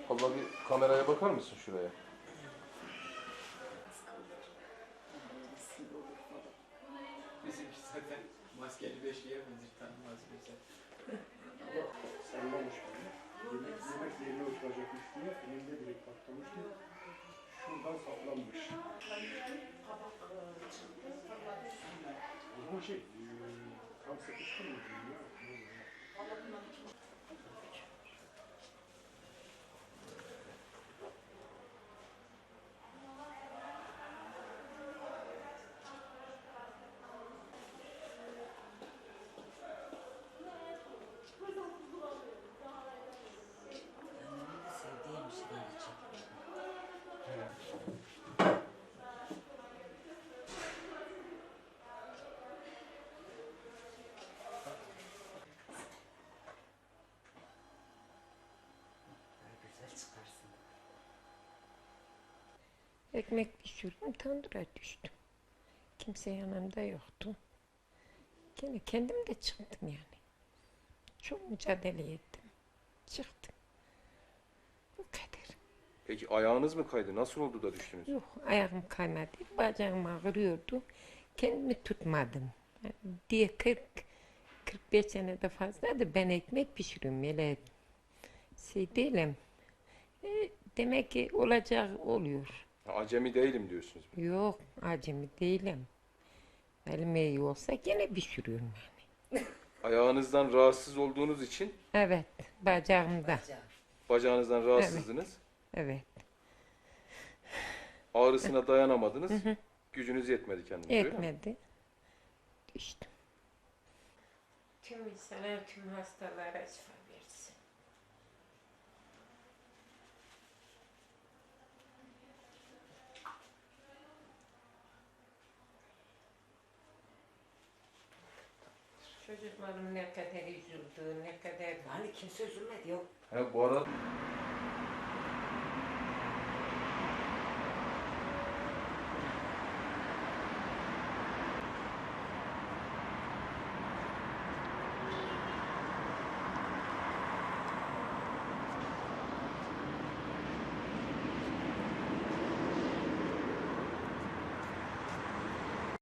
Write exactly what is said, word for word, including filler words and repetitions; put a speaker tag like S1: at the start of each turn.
S1: Abla bir kameraya bakar mısın şuraya?
S2: Bizimki zaten maskeli beşliğe benzer, tanımaz bize.
S3: Ama sallamış beni. Yemek, yemek yerine oturacakmış diye elinde direkt patlamıştı. Şuradan saplanmış. Ama şey, eee, tam sıkıştırmadım ya.
S4: Sevdiğim şeyleri çekmiş. Ay güzel çıkarsın.
S5: Ekmek pişirdim, tandıra düştüm. Kimse yanımda yoktu. Gene kendim de çıktım yani. Çok mücadele ettim. Çıktım. Bu kadar.
S1: Peki ayağınız mı kaydı? Nasıl oldu da düştünüz?
S5: Yok, ayağım kaymadı. Bacağım ağrıyordu. Kendimi tutmadım. Yani diye kırk kırk beş senede fazladır ben ekmek pişiriyorum. Öyle şey değilim. E, demek ki olacak oluyor.
S1: Ha, acemi değilim diyorsunuz.
S5: Yok, acemi değilim. Elim iyi olsa gene pişiriyorum yani.
S1: Ayağınızdan rahatsız olduğunuz için
S5: Evet, bacağımda.
S4: Bacağım.
S1: bacağınızdan rahatsızdınız.
S5: Evet,
S1: Ağrısına dayanamadınız. Gücünüz yetmedi kendinize. öyle mi?
S5: yetmedi. Düştüm. Tüm insanlar, tüm hastalara şifa versin. Çocuklarım ne kadar üzüldü, ne kadar...
S4: Yani kimse üzülmedi yok.
S1: Ha, bu arada